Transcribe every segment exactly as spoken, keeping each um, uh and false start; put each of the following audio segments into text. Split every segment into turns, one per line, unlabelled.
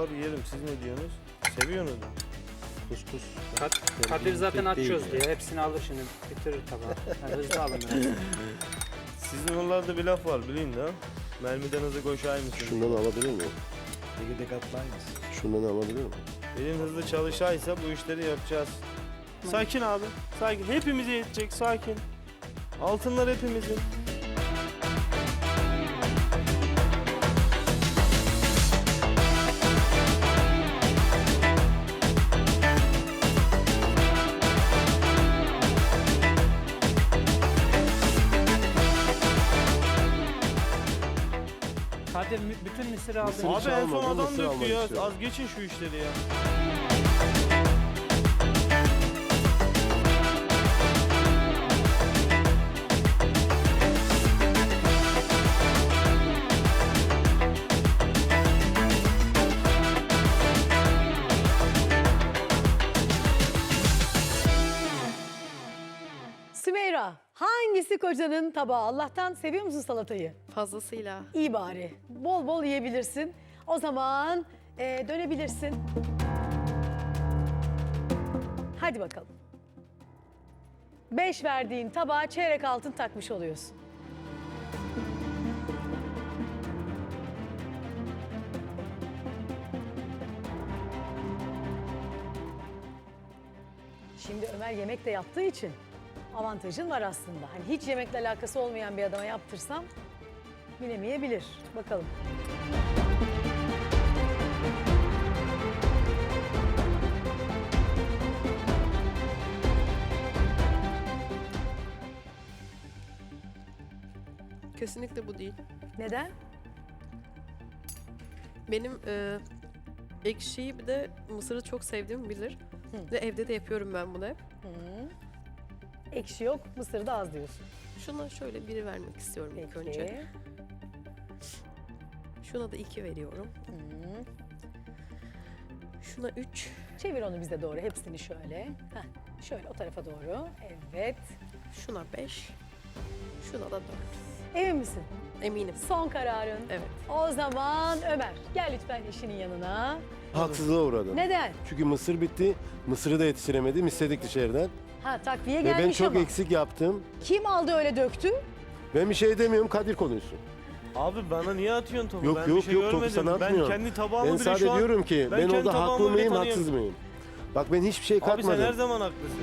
var yiyelim. Siz ne diyorsunuz? Seviyorsunuz mu?
Kuskus.
Kad Kadir zaten açıyoruz diye. Hepsini alır şimdi. Bitirir tabağı. Yani hızlı alın biraz.
Sizin oralarda bir laf var bileyim de. Mermiden hızlı koşar mısın?
Şundan alabilir miyim?
Tekirdek atlayınız.
Şundan alabilir miyim?
Elin hızlı çalışaysa bu işleri yapacağız. Sakin abi. Sakin. Hepimize yetecek. Sakin. Altınlar hepimizin.
Kadir mü- bütün mısırı aldın.
Mısır-
Abi
hiç
en son
almadım,
adam
mısır
döktü
almak
ya.
istiyorum.
Az geçin şu işleri ya.
Sümeyra, hangisi kocanın tabağı? Allah'tan seviyor musun salatayı?
Fazlasıyla.
İyi bari. Bol bol yiyebilirsin. O zaman eee, dönebilirsin. Hadi bakalım. Beş verdiğin tabağa çeyrek altın takmış oluyorsun. Şimdi Ömer yemek de yaptığı için avantajın var aslında. Hani hiç yemekle alakası olmayan bir adama yaptırsam bilemeyebilir. Bakalım.
Kesinlikle bu değil.
Neden?
Benim e, ekşiyi bir de mısırı çok sevdiğimi bilir.
Hı.
Ve evde de yapıyorum ben bunu hep.
Hı. Ekşi yok, mısır da az diyorsun.
Şuna şöyle biri vermek istiyorum ilk
Peki.
önce. Şuna da iki veriyorum.
Hı.
Şuna üç.
Çevir onu bize doğru, hepsini şöyle. Heh, şöyle o tarafa doğru. Evet.
Şuna beş. Şuna da dört.
Emin misin?
Eminim.
Son kararın.
Evet.
O zaman Ömer, gel lütfen eşinin yanına.
Haksızlığa uğradım.
Neden?
Çünkü mısır bitti. Mısırı da yetiştiremedim. İstedik dışarıdan.
Ha takviye
Ve
gelmiş
ben çok
ama.
eksik yaptım.
Kim aldı öyle döktü?
Ben bir şey demiyorum. Kadir konuşsun.
Abi bana niye atıyorsun topu?
Yok
ben
yok
bir şey
yok topu
görmedim.
sana
Ben
atmıyorum.
kendi tabağımı
Ben
bile
sadece
şu an...
diyorum ki ben,
ben kendi
orada
tabağımı
haklı
bile
mıyım
tanıyorum.
haksız mıyım? Bak ben hiçbir şey
Abi sen
katmadım.
her zaman haklısın.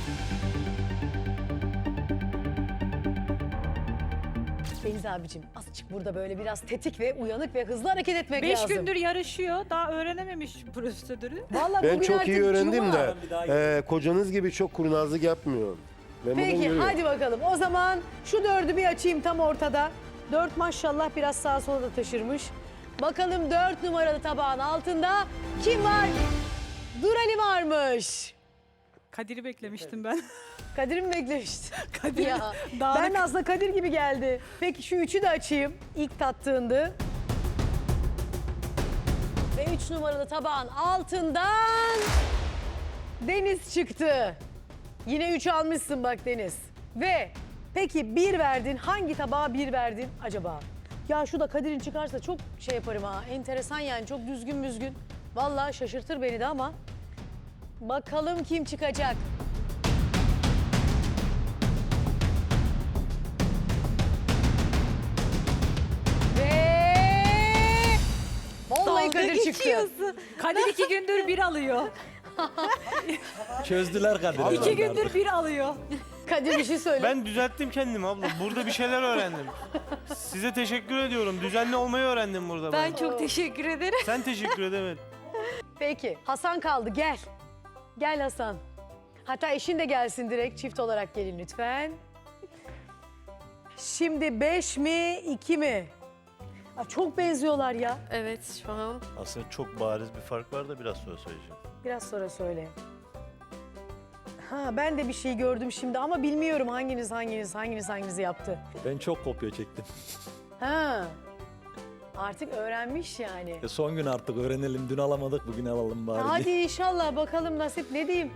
Deniz abicim azıcık burada böyle biraz tetik ve uyanık ve hızlı hareket etmek
Beş
lazım.
gündür yarışıyor. Daha öğrenememiş prosedürü.
Vallahi
Ben
bugün
çok
artık
iyi öğrendim
cuma.
de e, kocanız gibi çok kurnazlık yapmıyorum. Ben bunu
Peki
görüyorum.
hadi bakalım. O zaman şu dördü bir açayım tam ortada. Dört maşallah biraz sağa sola da taşırmış. Bakalım dört numaralı tabağın altında kim var? Durali varmış.
Kadir'i beklemiştim ben.
Kadir mi beklemişti?
Kadir
Ya,
dağınık.
ben de aslında Kadir gibi geldi. Peki şu üçü de açayım. İlk tattığındı. Ve üç numaralı tabağın altından Deniz çıktı. Yine üç almışsın bak Deniz. Ve peki bir verdin. Hangi tabağa bir verdin acaba? Ya şu da Kadir'in çıkarsa çok şey yaparım ha. Enteresan yani çok düzgün müzgün. Vallahi şaşırtır beni de ama. Bakalım kim çıkacak? Ve vallahi
Dalga
Kadir çıktı.
geçiyorsun. Kadir iki gündür bir alıyor.
Çözdüler Kadir'i.
İki gündür bir alıyor.
Kadir bir şey söyle.
Ben düzelttim kendimi abla. Burada bir şeyler öğrendim. Size teşekkür ediyorum. Düzenli olmayı öğrendim burada ben.
Ben çok teşekkür ederim.
Sen teşekkür edemedin.
Peki Hasan kaldı gel. Gel Hasan. Hatta eşin de gelsin direkt çift olarak gelin lütfen. Şimdi beş mi iki mi? Aa, çok benziyorlar ya.
Evet şu an.
Aslında çok bariz bir fark var da biraz sonra söyleyeceğim.
Biraz sonra söyle. Ha ben de bir şey gördüm şimdi ama bilmiyorum hanginiz hanginiz hanginiz hanginizi yaptı.
Ben çok kopya çektim.
Ha. Artık öğrenmiş yani.
E son gün artık öğrenelim. Dün alamadık, bugün alalım bari
Hadi
diye.
inşallah bakalım nasip ne diyeyim.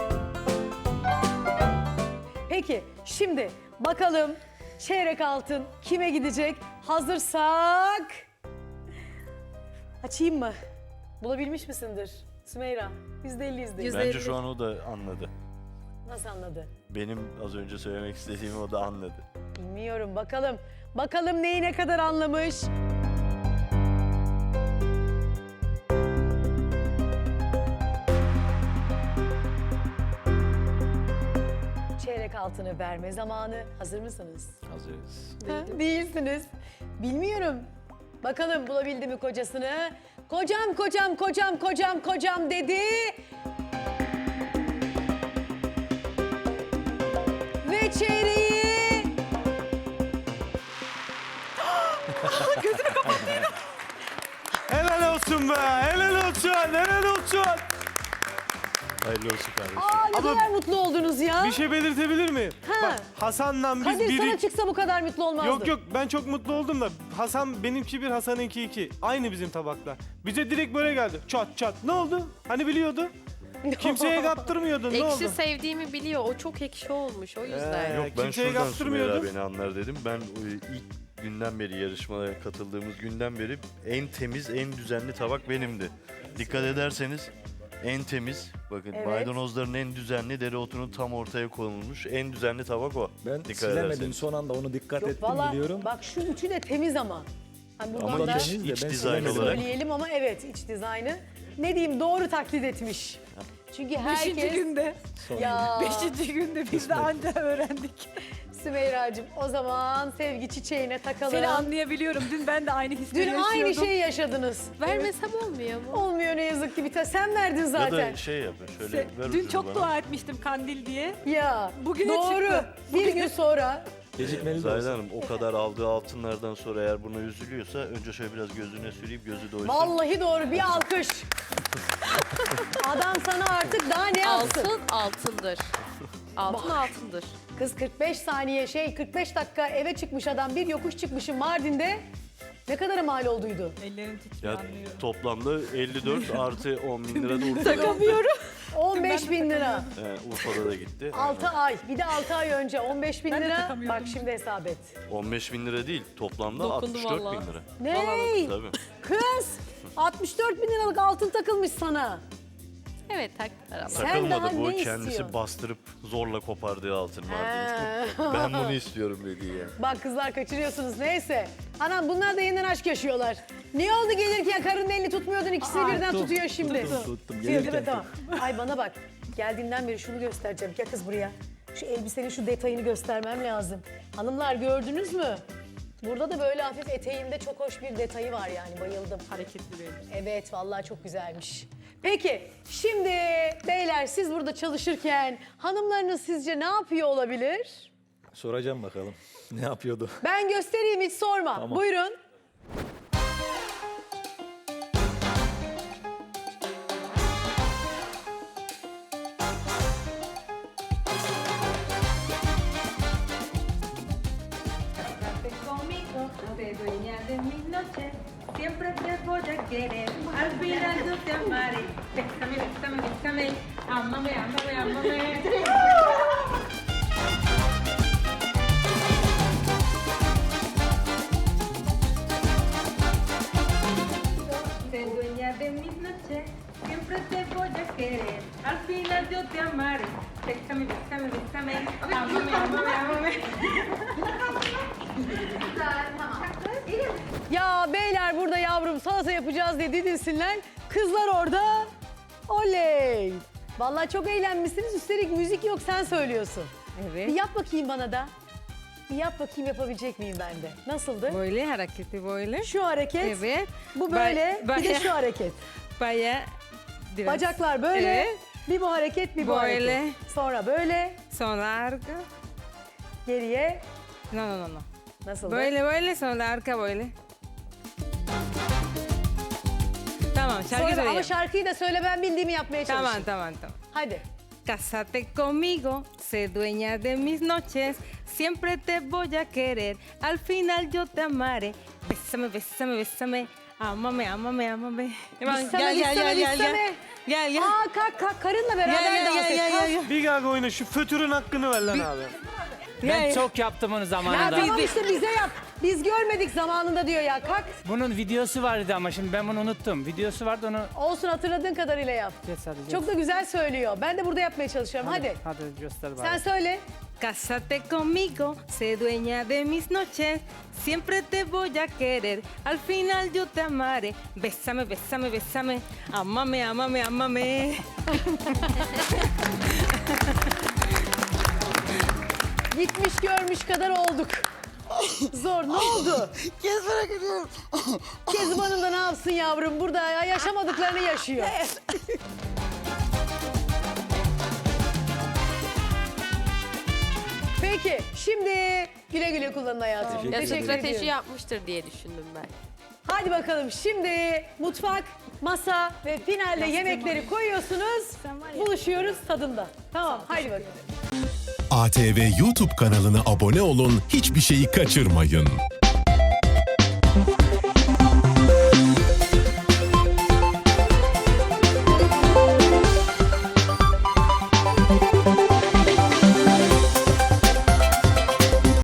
Peki şimdi bakalım çeyrek altın kime gidecek? Hazırsak açayım mı? Bulabilmiş misindir Sümeyra? yüzde elli yüzde elli.
Yüzde
Bence
elli.
şu an o da anladı.
Nasıl anladı?
Benim az önce söylemek istediğimi o da anladı.
Bilmiyorum. Bakalım. Bakalım neyi ne kadar anlamış. Çeyrek altını verme zamanı. Hazır mısınız?
Hazırız.
Ha, değilsiniz. Bilmiyorum. Bakalım bulabildi mi kocasını? Kocam, kocam, kocam, kocam, kocam dedi. Ve çeyreği...
Helal olsun be. Helal olsun. Helal olsun.
Hayırlı olsun kardeşim.
Aa, ne
Ama-
kadar mutlu oldunuz ya.
Bir şey belirtebilir miyim?
Ha.
Bak Hasan'la biz
Kadir
biri...
sana çıksa bu kadar mutlu olmazdın.
Yok yok ben çok mutlu oldum da Hasan benimki bir Hasan'ınki iki. Aynı bizim tabaklar. Bize direkt böyle geldi. Çat çat. Ne oldu? Hani biliyordu? Kimseye kaptırmıyordun. Ne oldu?
Ekşi sevdiğimi biliyor. O çok ekşi olmuş o yüzden.
Ee,
Yok ben
kimseye
şuradan
kaptırmıyordun.
Sümeyra beni anlar dedim. Ben o ilk günden beri yarışmaya katıldığımız günden beri en temiz, en düzenli tabak benimdi. Dikkat ederseniz en temiz, bakın
Evet.
maydanozların en düzenli, dereotunun tam ortaya konulmuş en düzenli tabak o.
Ben
Dikkat
silemedim
ederseniz.
son anda onu dikkat
Yok,
ettim
valla
biliyorum.
bak şu üçü de temiz ama. Hani buradan
Ama
da
iç,
temiz de
iç
ben
dizayn
silemedim.
olarak
söyleyelim ama evet iç dizaynı. Ne diyeyim doğru taklit etmiş. Çünkü
Beşinci
herkes...
günde.
Son
Ya
Beşinci günde biz de anca öğrendik.
Sümeyra'cığım o zaman sevgi çiçeğine takalım.
Seni anlayabiliyorum. Dün ben de aynı hisleri
Dün
yaşıyordum.
aynı şeyi yaşadınız.
Vermesem olmuyor mu?
Olmuyor ne yazık ki bir tane. Sen verdin
ya
zaten.
da şey yapın şöyle
Se-
ver
Dün
ucunu
çok
bana.
dua etmiştim kandil diye.
Ya
Bugüne
doğru.
çıktı.
Bir gün sonra
Gecikmeli de
Zahide
olsa.
Hanım o kadar aldığı altınlardan sonra eğer buna üzülüyorsa önce şöyle biraz gözüne süreyim gözü doysun.
vallahi doğru bir alkış. Adam sana artık daha ne yapsın?
Altın altındır. Altın
Bak.
altındır.
Kız kırk beş saniye şey kırk beş dakika eve çıkmış adam bir yokuş çıkmışım Mardin'de. Ne kadara mal olduydu?
Ellerin titriyor
Ya
anlıyorum.
toplamda elli dört artı on bin lira da Urfa'da.
on beş bin lira.
He, Urfa'da da gitti.
altı ay. Bir de altı ay önce on beş bin
Ben de
lira.
takamıyordum.
Bak şimdi hesap et.
on beş bin lira değil toplamda
Dokundu
altmış dört
vallahi.
bin lira.
Ne?
Tabii.
Kız altmış dört bin liralık altın takılmış sana.
Evet taktılar ama.
Sen daha
Takılmadı bu
ne
kendisi
istiyorsun?
bastırıp zorla kopardığı altın vardı.
Ha.
Ben bunu istiyorum dedi ya.
Bak kızlar kaçırıyorsunuz neyse. Anam bunlar da yeniden aşk yaşıyorlar. Ne oldu gelirken karının elini tutmuyordun ikisini
Aa,
birden
tuttum,
tutuyor şimdi.
Tuttum tuttum.
Değil mi?
Gelirken
Tamam. Ay bana bak. Geldiğinden beri şunu göstereceğim. Gel kız buraya. Şu elbisenin şu detayını göstermem lazım. Hanımlar gördünüz mü? Burada da böyle hafif eteğinde çok hoş bir detayı var yani bayıldım.
Hareketli benim.
Evet vallahi çok güzelmiş. Peki şimdi beyler siz burada çalışırken hanımlarınız sizce ne yapıyor olabilir?
soracağım bakalım. Ne yapıyordu?
Ben göstereyim hiç sorma.
Tamam.
Buyurun.
Quédate conmigo, te dueña de mis noches, siempre te voy a querer, al final yo te amaré. Bésame, bésame, bésame, ámame, ámame, ámame. Te dueña de mis noches, siempre te voy a querer, al final yo te amaré. Bésame, bésame, bésame, ámame, ámame, ámame.
Ya beyler burada yavrum salata yapacağız diye didinsinler. Kızlar orada oley. Vallahi çok eğlenmişsiniz. Üstelik müzik yok sen söylüyorsun. Bir
Evet.
yap bakayım bana da. Bir yap bakayım yapabilecek miyim ben de. Nasıldı?
Böyle hareketi böyle.
Şu hareket,
Evet.
bu böyle,
Ba-
bir de
baya-
şu hareket.
Baya biraz.
Bacaklar böyle,
Evet.
bir bu hareket, bir bu
Böyle.
hareket. Sonra böyle,
Son larga.
geriye.
No, no, no, no.
Nasıldı?
Böyle böyle son larga böyle. Tamam şarkı
Sonra, ama
söyleyeyim.
şarkıyı da söyle ben bildiğimi yapmaya çalışayım.
Tamam, tamam, tamam.
Hadi.
Cásate conmigo, sé dueña de mis noches, siempre te voy a querer, al final yo te amaré. Bésame, bésame, bésame, ámame, ámame, ámame. Tamam,
Bissame,
gel, gel,
bissame,
gel, gel,
bissame.
gel. Gel, gel.
Aa kalk kalk karınla beraber
Gel, gel,
dans
gel,
et.
gel,
kalk.
gel, gel.
Bir gaga oyna şu fötürün hakkını ver lan abi.
Ben çok yaptım onu
Ya
zamanında.
tamam işte bize yap. Biz görmedik zamanında diyor ya. Kalk.
Bunun videosu vardı ama şimdi ben bunu unuttum. Videosu vardı onu
Olsun, hatırladığın kadarıyla yap.
geç sadece.
Çok da güzel söylüyor. Ben de burada yapmaya çalışıyorum. Hadi.
Hadi göster bari.
Sen söyle.
Cásate conmigo, sé dueña de mis noches, siempre te voy a querer, al final yo te amaré. Bésame, bésame, bésame, amame, amame, amame.
Gitmiş görmüş kadar olduk. Zor. Ne oldu?
Kezban'a gidiyorum.
Kezban Hanım da ne yapsın yavrum? Burada yaşamadıklarını yaşıyor. Peki şimdi güle güle kullanın hayatım.
Ya
Teşekkür
strateji
ediyorum.
yapmıştır diye düşündüm ben.
Hadi bakalım şimdi mutfak, masa ve finalde yemekleri koyuyorsunuz. Buluşuyoruz tadında. Tamam hadi bakalım.
A T V YouTube kanalına abone olun, hiçbir şeyi kaçırmayın.